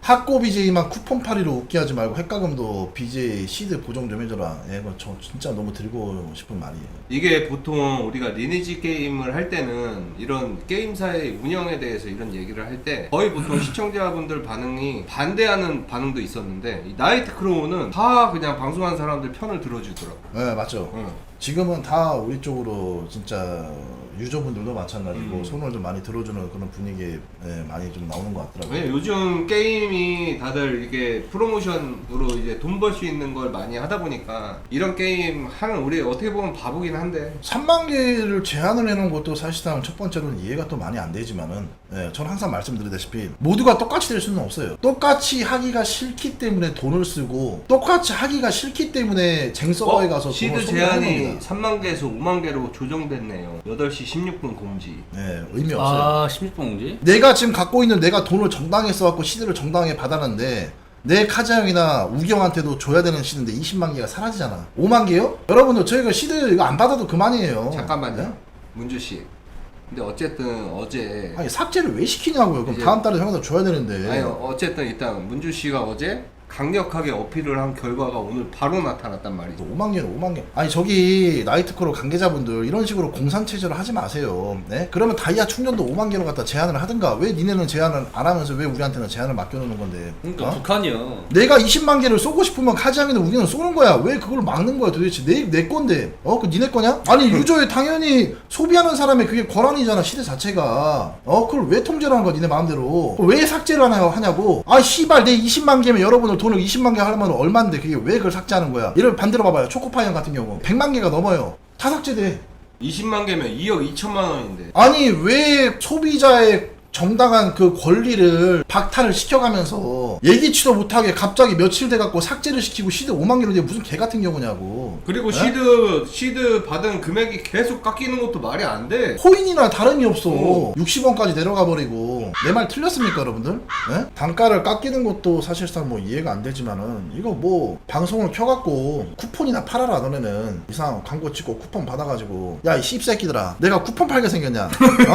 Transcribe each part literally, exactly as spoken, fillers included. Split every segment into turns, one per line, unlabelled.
학고 비제이만 쿠폰 팔이로 웃게 하지 말고 핵가금도 비제이 시드 보정 좀 해줘라. 예, 이거 저 진짜 너무 드리고 싶은 말이에요.
이게 보통 우리가 리니지 게임을 할 때는 이런 게임사의 운영에 대해서 이런 얘기를 할 때 거의 보통 시청자분들 반응이 반대하는 반응도 있었는데 이 나이트 크로우는 다 그냥 방송하는 사람들 편을 들어주더라고.
네, 맞죠.
응.
지금은 다 우리 쪽으로 진짜 유저분들도 마찬가지고
음.
손을 좀 많이 들어주는 그런 분위기에 예, 많이 좀 나오는 것 같더라고요.
왜 요즘 게임이 다들 이게 프로모션으로 이제 돈 벌 수 있는 걸 많이 하다 보니까 이런 게임 하는 우리 어떻게 보면 바보긴 한데
삼만 개를 제한을 해놓은 것도 사실상 첫 번째로는 이해가 또 많이 안 되지만은 예, 저는 항상 말씀드리다시피 모두가 똑같이 될 수는 없어요. 똑같이 하기가 싫기 때문에 돈을 쓰고 똑같이 하기가 싫기 때문에 쟁서버에
어?
가서
시드
돈을 쏟는
제한이
겁니다.
삼만 개에서 오만 개로 조정됐네요. 여덟 시 십육 분 공지.
예, 의미 없어요.
아 십육 번 공지?
내가 지금 갖고 있는 내가 돈을 정당하게 써갖고 시드를 정당하게 받았는데 내 카자형이나 우경한테도 줘야 되는 시드인데 이십만 개가 사라지잖아. 오만 개요? 여러분들 저희가 시드 이거 안 받아도 그만이에요.
잠깐만요.
네?
문주 씨. 근데 어쨌든 어제
아니 삭제를 왜 시키냐고요. 그럼
이제-
다음 달에 형한테 줘야 되는데.
아니 어쨌든 일단 문주 씨가 어제 강력하게 어필을 한 결과가 오늘 바로 나타났단 말이죠.
오만 개는 오만 개. 아니 저기 나이트크로 관계자분들 이런 식으로 공산 체제를 하지 마세요. 네? 그러면 다이아 충전도 오만 개로 갖다 제한을 하든가. 왜 니네는 제한을 안 하면서 왜 우리한테는 제한을 맡겨놓는 건데?
그러니까
어?
북한이요.
내가 이십만 개를 쏘고 싶으면 카지항이는 우리는 쏘는 거야. 왜 그걸 막는 거야 도대체? 내, 내 건데. 어? 그 니네 거냐? 아니 유저에 당연히 소비하는 사람의 그게 권한이잖아 시대 자체가. 어? 그걸 왜 통제를 하는 거야 니네 마음대로. 왜 삭제를 하나, 하냐고. 아 씨발 내 이십만 개면 여러분들 돈을 이십만 개 하려면 얼만데 그게 왜 그걸 삭제하는 거야. 이를 반대로 봐봐요. 초코파이언 같은 경우 백만 개가 넘어요. 다 삭제돼.
이십만 개면 이억 이천만 원인데.
아니 왜 소비자의 정당한 그 권리를 박탈을 시켜가면서 예기치도 못하게 갑자기 며칠 돼갖고 삭제를 시키고 시드 오만 개로 돼 무슨 개 같은 경우냐고.
그리고
에?
시드 시드 받은 금액이 계속 깎이는 것도 말이 안 돼.
코인이나 다름이 없어.
어.
육십 원까지 내려가 버리고. 내 말 틀렸습니까 여러분들? 에? 단가를 깎이는 것도 사실상 뭐 이해가 안 되지만은 이거 뭐 방송을 켜갖고 쿠폰이나 팔아라 너네는. 이상 광고 찍고 쿠폰 받아가지고 야 이 씹새끼들아 내가 쿠폰 팔게 생겼냐? 어?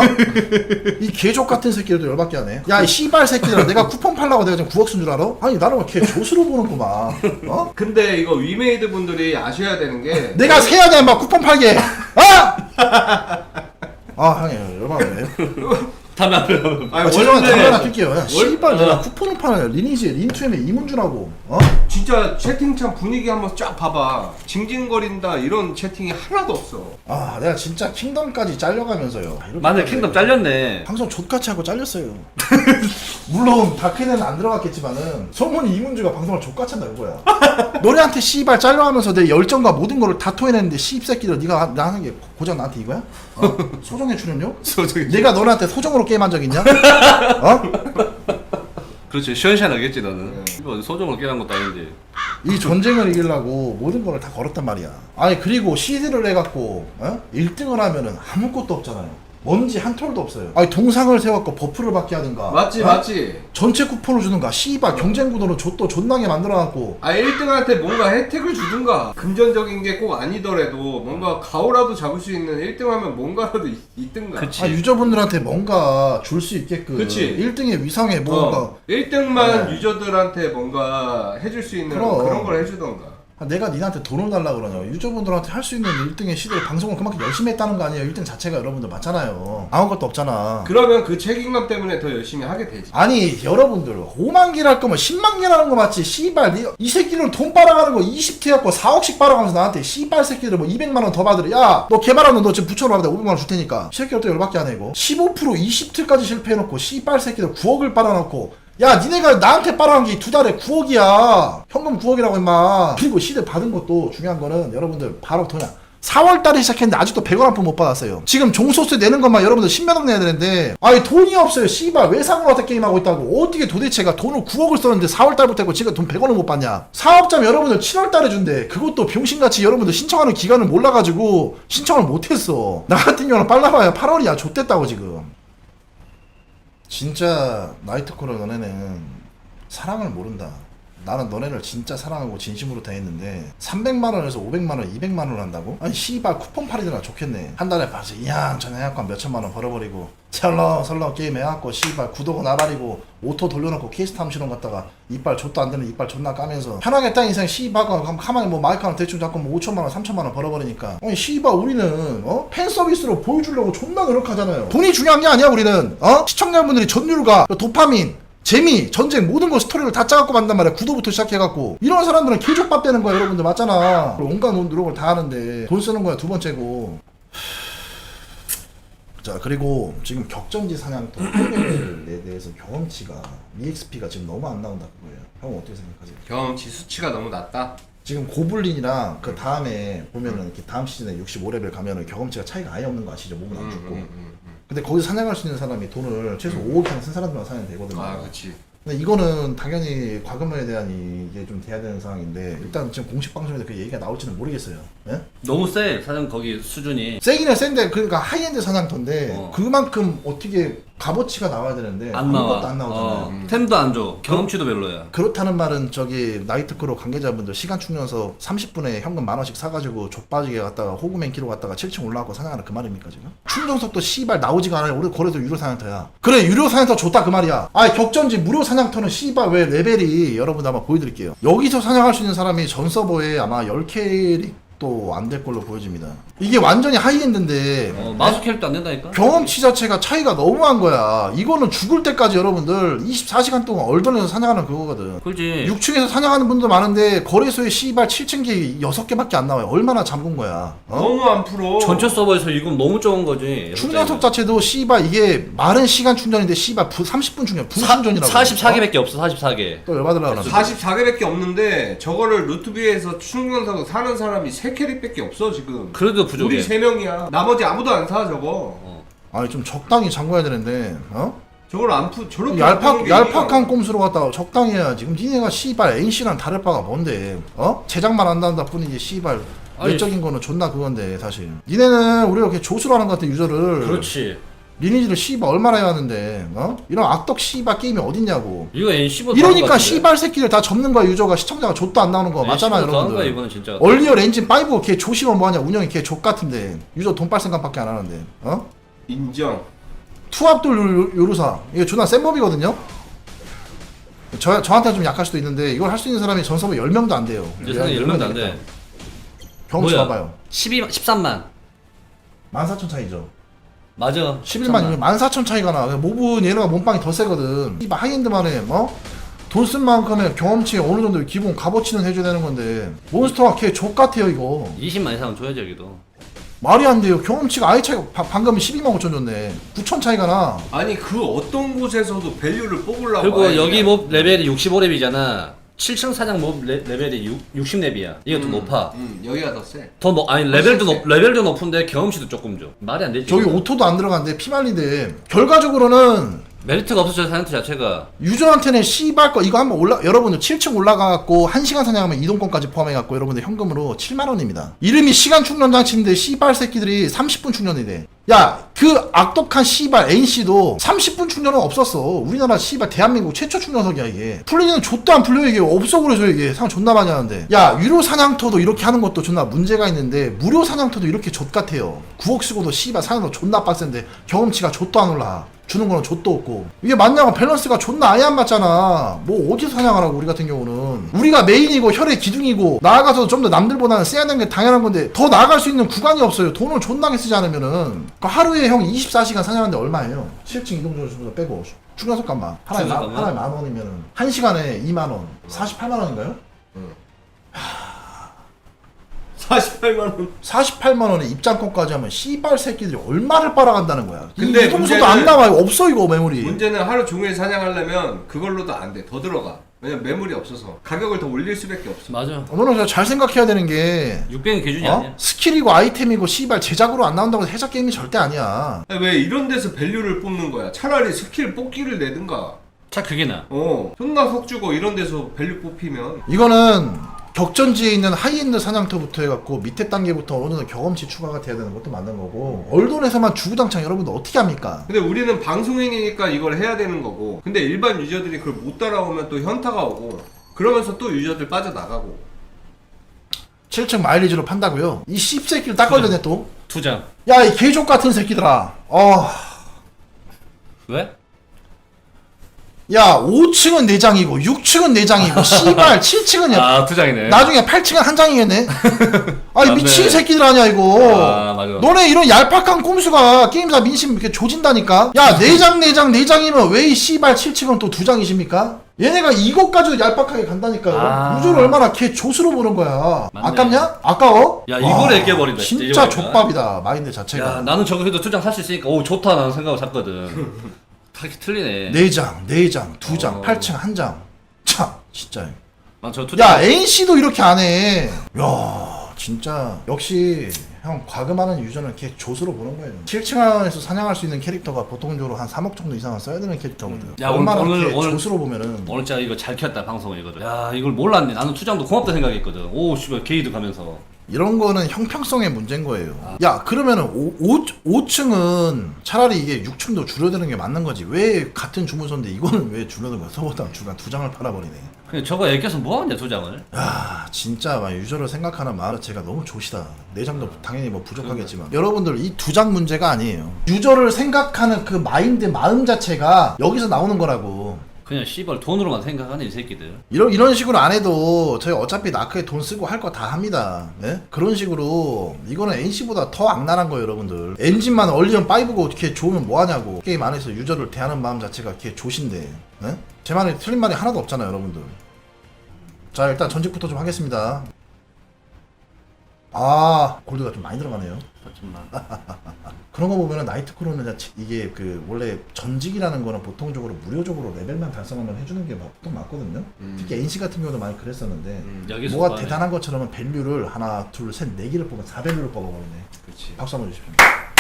이 개족 같은 새끼들도 열받게 하네. 야 이 씨발 새끼들아 내가 쿠폰 팔라고 내가 지금 구억 쓴 줄 알아? 아니 나는 왜걔 조수로 보는구만. 어?
근데 이거 위메이드 분들이 아셔야 되는 게
내가 세야 돼, 막 쿠폰 팔게. 아! 아, 형님, 열받네.
담배 안 피워.
아니,
아, 죄송한데
원래
담배 하나 낄게요. 야, 씨발,
어.
내가 쿠폰을 파는 리니지에 린투엠에 이문주라고. 어?
진짜 채팅창 분위기 한번 쫙 봐봐. 징징거린다 이런 채팅이 하나도 없어.
아, 내가 진짜 킹덤까지 잘려가면서요. 아, 이렇게
맞네
하네.
킹덤 잘렸네.
방송 족같이 하고 잘렸어요. 물론 다크에는 안 들어갔겠지만은 소문이 이문주가 방송을 족같이 한다 이거야. 너네한테 씨발 잘려하면서 내 열정과 모든 거를 다 토해냈는데 씨입새끼들 네가 나 하는 게 고작 나한테 이거야? 어? 소정의 출연료?
소정의
내가 너네한테 소정으로 게임한 적 있냐? 어?
그렇지 시원시원하겠지 너는.
네.
이거 소정을 깨는 것도 아닌데.
이 전쟁을 이기려고 모든 걸 다 걸었단 말이야. 아니 그리고 시드를 해갖고 어? 일 등을 하면은 아무것도 없잖아요. 뭔지 한 톨도 없어요. 아니 동상을 세워갖고 버프를 받게 하든가.
맞지
어?
맞지.
전체 쿠폰을 주든가. 씨발 경쟁 구도는 좆도 존나게 만들어갖고.
아 일 등한테 뭔가 혜택을 주든가. 금전적인 게 꼭 아니더라도 뭔가 가오라도 잡을 수 있는 일 등 하면 뭔가라도 있, 있든가.
그치.
아, 유저분들한테 뭔가 줄 수 있게끔.
그치.
일 등의 위상에 뭔가.
어, 일 등만
네.
유저들한테 뭔가 해줄 수 있는
그럼.
그런 걸 해주던가.
아, 내가 니한테 돈을 달라 그러냐. 유저분들한테 할 수 있는 일 등의 시대를 방송을 그만큼 열심히 했다는 거 아니에요. 일 등 자체가 여러분들 맞잖아요. 아무것도 없잖아.
그러면 그 책임감 때문에 더 열심히 하게 되지.
아니 여러분들 오만 개를 할 거면 십만 개라는 거 맞지. 씨발 니, 이 새끼는 돈 빨아가는 거 이십 개 갖고 사억씩 빨아가면서 나한테 씨발 새끼들 뭐 이백만 원 더 받으래. 야 너 개발하는 너 지금 부처로 받아 오백만 원 줄 테니까. 이 새끼들 또 열받게 하네 이거. 십오 퍼센트 이십 틀까지 실패해놓고 씨발 새끼들 구억을 빨아놓고 야 니네가 나한테 빨아간 게 두 달에 구억이야. 현금 구억이라고 임마. 그리고 시드 받은 것도 중요한 거는 여러분들 바로 도냐 사월 달에 시작했는데 아직도 백 원 한 푼 못 받았어요. 지금 종소세 내는 것만 여러분들 십몇 억 내야 되는데 아니 돈이 없어요. 씨발 외상으로 갖다 게임하고 있다고. 어떻게 도대체가 돈을 구억을 썼는데 사월 달부터 했고 지금 돈 백 원을 못 받냐. 사업자면 여러분들 칠월 달에 준대. 그것도 병신같이 여러분들 신청하는 기간을 몰라가지고 신청을 못했어. 나 같은 경우는 빨라봐야 팔월이야. 좆됐다고 지금. 진짜 나이트코너 너네는 사랑을 모른다. 나는 너네를 진짜 사랑하고 진심으로 대했는데 삼백만 원에서 오백만 원, 이백만 원을 한다고? 아니 씨발 쿠폰 팔이더라 좋겠네. 한 달에 봐서 이양전 해갖고 몇천만 원 벌어버리고 설렁설렁 게임 해갖고 씨발 구독은 나발이고 오토 돌려놓고 케이스탐 실험 갔다가 이빨 좆도 안 되는 이빨 존나 까면서 편하게 딱 인생 씨발 가만히 뭐 마이크 하나 대충 잡고 뭐 오천만 원, 삼천만 원 벌어버리니까 아니 씨발 우리는 어? 팬 서비스로 보여주려고 존나 노력하잖아요. 돈이 중요한 게 아니야 우리는 어? 시청자분들이 전율과 도파민 재미, 전쟁 모든 거 스토리를 다 짜갖고 만단 말이야. 구도부터 시작해갖고 이런 사람들은 개족밥 되는 거야 여러분들 맞잖아. 온갖 노력을 다 하는데 돈 쓰는 거야 두 번째고. 자 그리고 지금 격전지 사냥터 레벨에 대해서 경험치가 이엑스피가 지금 너무 안 나온다 그거예요. 형 어떻게 생각하세요?
경험치 수치가 너무 낮다.
지금 고블린이랑 그 다음에 보면은 이렇게 다음 시즌에 육십오 레벨 가면은 경험치가 차이가 아예 없는 거 아시죠? 몸은 안 죽고.
음, 음, 음, 음.
근데 거기서 사냥할 수 있는 사람이 돈을 최소 오억 이상 쓴 사람들만 사냥 되거든요.
아 그치.
근데 이거는 당연히 과금에 대한 이게 좀 돼야 되는 상황인데 일단 지금 공식 방송에서 그 얘기가 나올지는 모르겠어요. 예?
너무 세 사장 거기 수준이.
세기는 센데 그러니까 하이엔드 사냥터인데
어.
그만큼 어떻게 값어치가 나와야 되는데
안 나와.
아무것도 안 나오잖아요.
어,
음.
템도 안 줘. 경험치도 별로야.
그렇다는 말은 저기 나이트크루 관계자분들 시간 충전서 삼십 분에 현금 만 원씩 사가지고 족빠지게 갔다가 호구맨키로 갔다가 칠 층 올라가고 사냥하는 그 말입니까 지금? 충전석도 씨발 나오지가 않아요. 우리 거래소 유료 사냥터야. 그래 유료 사냥터 좋다 그 말이야. 아 격전지 무료 사냥터는 씨발 왜 레벨이 여러분 아마 보여드릴게요. 여기서 사냥할 수 있는 사람이 전 서버에 아마 열 캐릭 또 안 될 걸로 보여집니다. 이게 완전히 하이엔드인데
어, 마수 캐릭터 안 된다니까?
경험치 자체가 차이가 너무한 거야. 이거는 죽을 때까지 여러분들 이십사 시간 동안 얼던에서 사냥하는 그거거든.
그렇지.
육 층에서 사냥하는 분도 많은데 거래소에 씨발 칠 층기 여섯 개밖에 안 나와요. 얼마나 잠근 거야. 어?
너무 안 풀어.
전체 서버에서 이건 너무 적은 거지.
충전석 자체도 씨발 이게 마른 시간 충전인데 씨발 부, 삼십 분 충전, 분 충전이라고.
사십사 개밖에 없어. 사십사 개.
또 열받으려고 그러네.
사십사 개밖에 없는데 저거를 루트비에서 충전사고 사는 사람이 세 캐릭밖에 없어 지금.
그래도 부족해.
우리 세 명이야. 나머지 아무도 안 사 저거.
어.
아니 좀 적당히 잠궈야 되는데 어?
저걸 안 푸, 저렇게 안
얄팍,
푸는 게
얄팍한 꼼수로 갔다가 적당히 해야 지금 니네가 씨발 엔씨랑 다를 바가 뭔데 어? 제작만 한다는 뿐이지 씨발
아니,
외적인 거는 존나 그건데 사실 니네는 우리가 이렇게 조수로 하는 것 같아 유저를.
그렇지.
리니지를 씨발 얼마나 해야 하는데 어? 이런 악덕 씨발 게임이 어딨냐고.
이거 엔씨보다
이러니까 씨발 새끼들 다 접는 거야 유저가. 시청자가 좆도 안 나오는 거 맞잖아
거야
여러분들.
이거는 진짜.
얼리얼 엔진 오 걔 조심하면 뭐하냐. 운영이 걔 족같은데 유저 돈 빨 생각밖에 안 하는데 어?
인정.
투압돌 요루사 이게 존나 센 법이거든요. 저, 저한테 좀 약할 수도 있는데 이걸 할 수 있는 사람이 전 서버 열 명도 안 돼요.
이제 세상에 열 명도 안 돼.
경험치
뭐야?
봐봐요.
십이, 십삼만.
만 사천 차이죠.
맞아.
십일만이면 만 사천 차이가 나. 모브 얘네가 몸빵이 더 세거든. 이 하이엔드만에 어? 돈 쓴 만큼의 경험치 어느 정도 기본 값어치는 해줘야 되는 건데 몬스터가 걔 족같아요 이거.
이십만 이상은 줘야지 여기도.
말이 안 돼요. 경험치가 아예 차이가 바, 방금 십이만 오천 줬네. 구천 차이가 나.
아니 그 어떤 곳에서도 밸류를 뽑으려고.
그리고
아예
여기
그냥-
몹 레벨이 육십오 렙이잖아. 칠 층 사장 몹 레, 레벨이 육, 육십 렙이야. 이거 더
음,
높아.
음, 여기가 더 세.
더 높, 아니 레벨도 높, 레벨도 높은데 경험치도 조금 줘. 말이 안 되지.
저기
이거.
오토도 안 들어간데 피말린데 결과적으로는
메리트가 없어져 사이언트 자체가.
유저한테는 씨발 거 이거 한번 올라 여러분들 칠 층 올라가갖고 한 시간 사냥하면 이동권까지 포함해갖고 여러분들 현금으로 칠만 원입니다. 이름이 시간 충전 장치인데 씨발 새끼들이 삼십 분 충전이 돼. 야 그 악독한 씨발 엔씨도 삼십 분 충전은 없었어. 우리나라 씨발 대한민국 최초 충전석이야 이게. 풀리는 좆도 안 풀려 이게. 없어 그래서 이게 상 존나 많이 하는데. 야 유료 사냥터도 이렇게 하는 것도 존나 문제가 있는데 무료 사냥터도 이렇게 좆 같아요. 구억 쓰고도 씨발 사냥터 존나 빡센데 경험치가 좆도 안 올라. 주는 거는 좆도 없고. 이게 맞냐고. 밸런스가 존나 아예 안 맞잖아. 뭐 어디서 사냥하라고. 우리 같은 경우는 우리가 메인이고 혈의 기둥이고 나아가서 좀 더 남들보다는 세야 되는 게 당연한 건데 더 나아갈 수 있는 구간이 없어요. 돈을 존나게 쓰지 않으면은. 그러니까 하루에 형 이십사 시간 사냥하는데 얼마예요? 칠 층 이동 전수 빼고 충전석 값만 하나에, 마,
충전석
하나에 만 원이면은 한 시간에 이만 원. 사십팔만 원인가요?
사십팔만 원.
사십팔만 원에 입장권까지 하면 씨발 새끼들이 얼마를 빨아간다는 거야.
근데
이동수도
문제는-
안 나와요. 없어 이거 메모리.
문제는 하루 종일 사냥하려면 그걸로도 안 돼. 더 들어가. 왜냐면 매물이 없어서 가격을 더 올릴 수밖에 없어.
맞아.
너는 잘 생각해야 되는 게
육백은 기준이
어?
아니야.
스킬이고 아이템이고 씨발 제작으로 안 나온다고 해서 해작 게임이 절대 아니야.
아니, 왜 이런 데서 밸류를 뽑는 거야? 차라리 스킬 뽑기를 내든가.
차 그게 나.
어, 존나 속 주고 이런 데서 밸류 뽑히면
이거는 격전지에 있는 하이엔드 사냥터부터 해갖고 밑에 단계부터 어느 정도 경험치 추가가 돼야 되는 것도 맞는 거고 얼돈에서만 주구장창 여러분들 어떻게 합니까?
근데 우리는 방송인이니까 이걸 해야 되는 거고 근데 일반 유저들이 그걸 못 따라오면 또 현타가 오고 그러면서 또 유저들 빠져나가고.
칠 층 마일리지로 판다고요? 이 씹새끼를 딱 걸렸네 또.
투장.
야 이 개족 같은 새끼들아. 어.
왜?
야 오 층은 네 장이고 육 층은 네 장이고 씨발 칠 층은 야
아 투장이네.
나중에 팔 층은 한 장이겠네. 아니
맞네.
미친 새끼들 아니야 이거.
아 맞아.
너네 이런 얄팍한 꼼수가 게임사 민심 이렇게 조진다니까. 야 네 장 네 장 네 장이면 왜 이 씨발 칠 층은 또 두 장이십니까? 얘네가 이것 가지고 얄팍하게 간다니까.
아.
유저를 얼마나 걔 조수로 보는 거야.
맞네.
아깝냐? 아까워?
야, 이걸 애껴버린다, 진짜
진짜
이거 보니까.
족밥이다 마인드 자체가.
야 나는 저거 해도 투장 살 수 있으니까 오 좋다 나는 생각을 샀거든. 다 틀리네.
네 장, 네 장, 두 장,
어.
팔 층 한 장. 참 진짜.
난저 투장.
야 엔씨도 이렇게 안 해. 야 진짜 역시 형 과금하는 유저는 걔 조수로 보는 거예요. 칠 층 안에서 사냥할 수 있는 캐릭터가 보통적으로 한 삼억 정도 이상은 써야 되는 캐릭터거든.
야,
얼마나
오늘-
걔
오늘-
조수로 보면은
오늘 진짜 이거 잘 켰다 방송을 이거를. 야 이걸 몰랐네. 나는 투장도 고맙다 생각했거든. 오 씨발 게이드 가면서.
이런 거는 형평성의 문제인 거예요. 야 그러면은 오 층은 차라리 이게 육 층도 줄여드는 게 맞는 거지. 왜 같은 주문서인데 이거는 왜 줄여드는 거야? 서보다 주간 두 장을 팔아버리네.
그냥 저거 애껴서 뭐하냐 투장을.
야 진짜 막 유저를 생각하는 마음 자체가 너무 좋시다. 네 장도 당연히 뭐 부족하겠지만 여러분들 이 두 장 문제가 아니에요. 유저를 생각하는 그 마인드 마음 자체가 여기서 나오는 거라고.
그냥 씨발 돈으로만 생각하네 이 새끼들.
이런 이런 식으로 안 해도 저희 어차피 나크에 돈 쓰고 할 거 다 합니다. 예? 그런 식으로 이거는 엔씨보다 더 악랄한 거예요, 여러분들. 엔진만 얼리언 파이브고 어떻게 좋으면 뭐 하냐고. 게임 안에서 유저를 대하는 마음 자체가 이렇게 조신데. 예? 제 말에 틀린 말이 하나도 없잖아요, 여러분들. 자, 일단 전직부터 좀 하겠습니다. 아, 골드가 좀 많이 들어가네요.
하지만
그런 거 보면은 나이트크로는 자체- 이게 그 원래 전직이라는 거는 보통적으로 무료적으로 레벨만 달성하면 해주는 게 보통 맞거든요.
음.
특히 엔씨 같은 경우도 많이 그랬었는데
음,
여기서
뭐가
봐야
대단한 것처럼 밸류를 하나 둘셋네 개를 뽑으면 사 밸류를 뽑아버리네.
그렇지.
박수 한번 주십시오.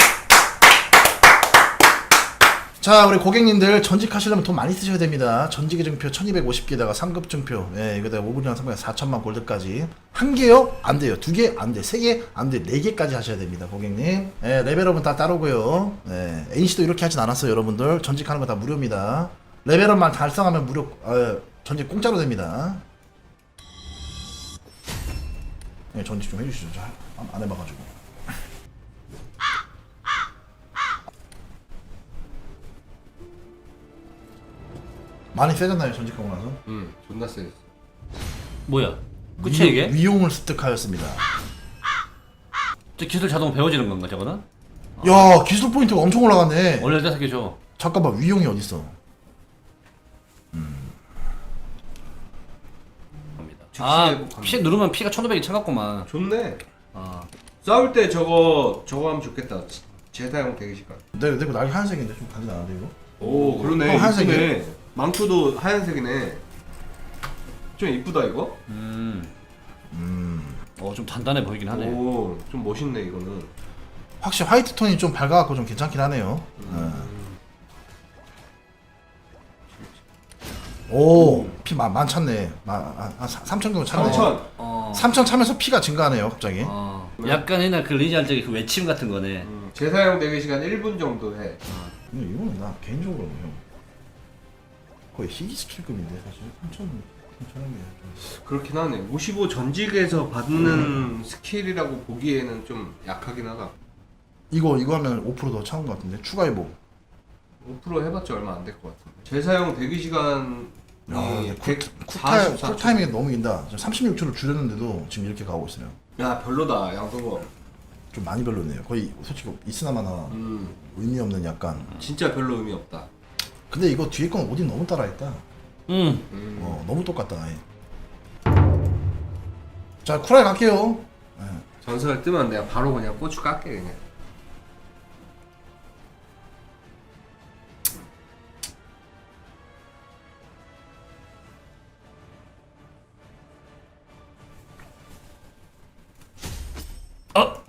자 우리 고객님들 전직하시려면 돈 많이 쓰셔야 됩니다. 전직의 증표 천이백오십 개에다가 상급 증표 예 이거다가 오 분이랑 상품 사천만 골드까지 한 개요? 안 돼요. 두 개? 안 돼. 세 개? 안 돼. 네 개까지 하셔야 됩니다 고객님. 예 레벨업은 다 따르고요. 예 엔씨도 이렇게 하진 않았어요 여러분들. 전직하는 거 다 무료입니다. 레벨업만 달성하면 무료 어, 전직 공짜로 됩니다. 예 전직 좀 해주시죠. 저 안- 안 해봐가지고. 많이 세졌나요 전직하고 나서?
음, 존나 세.
뭐야? 끝이야 이게?
위용을 습득하였습니다.
저 기술 자동 배워지는 건가 저거는?
야 기술 포인트가 엄청 올라갔네.
원래 대사게 줘.
잠깐만 위용이 어딨어?
갑니다.
즉시
아
회복합니다.
피 누르면 피가 천오백이 차갑구만.
좋네.
아
싸울 때 저거 저거 하면 좋겠다. 제사용 대기시간.
내 내거 날이 하얀색인데 좀 간지 나는데 이거?
오 그러네.
어, 하얀색이네.
이쁘네. 망토도 하얀색이네. 좀 이쁘다 이거.
음.
음
어 좀 단단해 보이긴 하네.
오, 좀 멋있네 이거는.
확실히 화이트 톤이 좀 밝아갖고 좀 괜찮긴 하네요. 예. 오피 많찼네. 한 삼천 정도 찼네.
삼천.
어.
삼천 차면서 피가 증가하네요 갑자기.
어. 약간 옛날 그 리니할 적의 그 외침 같은 거네.
음, 제사용 대기시간 일 분 정도 해.
근데 이거는 나 개인적으로 형 거의 희귀 스킬급인데 사실 삼천 삼천한 게 좀.
그렇긴 하네. 오십오 전직에서 받는 스킬이라고 보기에는 좀 약하긴 하다.
이거 이거 하면 오 퍼센트 더 차은 것 같은데 추가 회복.
오 퍼센트 해봤자 얼마 안 될 것 같은데. 제사용 대기시간이
야, 근데 쿨,
백사십사
쿨타임, 쿨타이밍이 너무 긴다. 지금 삼십육 초를 줄였는데도 지금 이렇게 가고 있어요.
야 별로다 양성거.
좀 많이 별로네요. 거의 솔직히 이스나마나
음
의미 없는 약간.
진짜 별로 의미 없다.
근데 이거 뒤에 건 오딘 너무 따라했다.
음.
음.
어 너무 똑같다. 아예. 자 쿨하게 갈게요. 예.
전설 뜨면 내가 바로 그냥 고추 깎게 그냥.
어.